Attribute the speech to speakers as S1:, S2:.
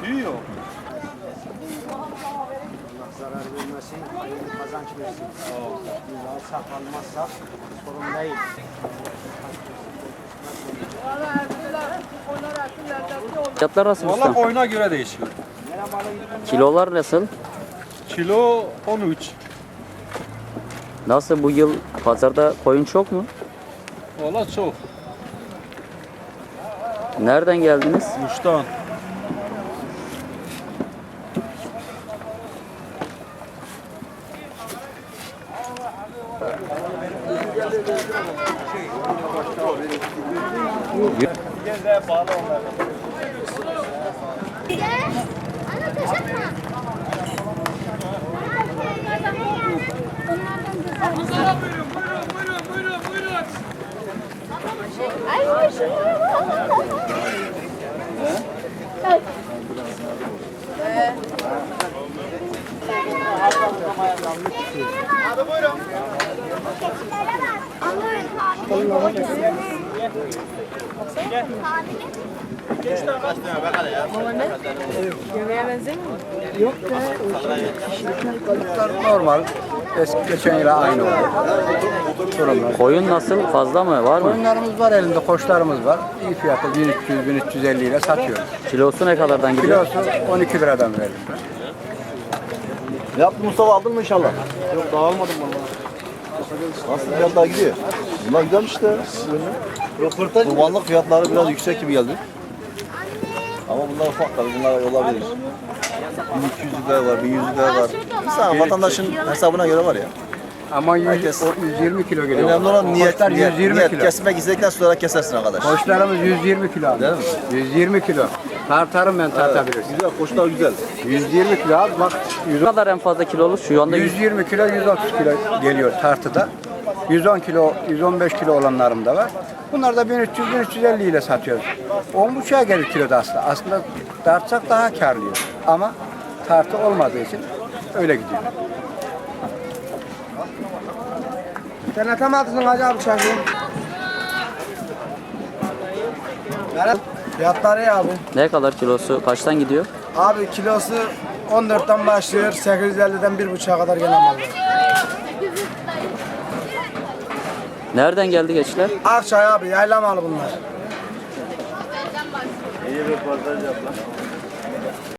S1: Büyüyor.
S2: Allah zarar vermesin, hayırlı kazanç versin. Biz alsak almazsak sorun değil.
S3: Fiyatlar nasıl
S1: Valla
S3: usta?
S1: koyuna göre değişiyor.
S3: Kilolar nasıl?
S1: Kilo 13.
S3: Nasıl bu yıl pazarda koyun çok mu?
S1: Valla çok.
S3: Nereden geldiniz?
S1: Muş'tan.
S4: Ana taşıtma. Ay hoşuma. Abi buyurun.
S5: Yemeğe benzemiyor mu?
S2: Normal. Eski geçen yıla aynı oldu. Durumlar.
S3: Koyun nasıl? Fazla mı? Var mı?
S2: Koyunlarımız var elinde, koçlarımız var. İyi fiyatı 1300-1350 ile satıyoruz.
S3: Kilosu ne kadardan gidiyor?
S2: Kilosu 12 liradan verdim ben.
S6: Ne yaptın Mustafa, aldın mı inşallah? Yok, daha almadım valla. Nasıl fiyatlar gidiyor? Bunlar güzelmiş işte. Kurbanlık fiyatları biraz yüksek gibi geldi. Ama bunlar ufak tabii, bunlar olabilir. 1200 lira var, 1100 lira var. Mesela vatandaşın hesabına göre var ya.
S2: Ama
S6: Herkes-
S2: 120 kilo geliyor.
S6: Önemli olan niyet,
S2: Koçlar
S6: niyet,
S2: 120
S6: niyet.
S2: kilo.
S6: Kesmek istedikten sonra kesersin arkadaş.
S2: Koçlarımız 120 kilo abi.
S6: Değil mi?
S2: 120 kilo. Tartarım ben tartabilirsin.
S6: Güzel, koçlar güzel.
S2: 120 kilo abi bak.
S3: Ne kadar en fazla kilolu? Şu anda
S2: 120 kilo, 130 kilo geliyor tartıda. 110 kilo, 115 kilo olanlarım da var. Bunlar da 1300-1350 ile satıyoruz. 10,5'a gelir kiloda aslında. Aslında tartsak daha karlıyız. Ama tartı olmadığı için öyle gidiyor. Sen atamadın Hacı abi şarkıyı.
S7: Fiyatları iyi abi.
S3: ne kadar kilosu? Kaçtan gidiyor?
S7: Abi kilosu 14'ten başlıyor. 850'den 1,5'a kadar gelen mal var.
S3: Nereden geldi geçler?
S7: Akçay abi yayla malı bunlar.
S6: İyi bir röportaj yap lan.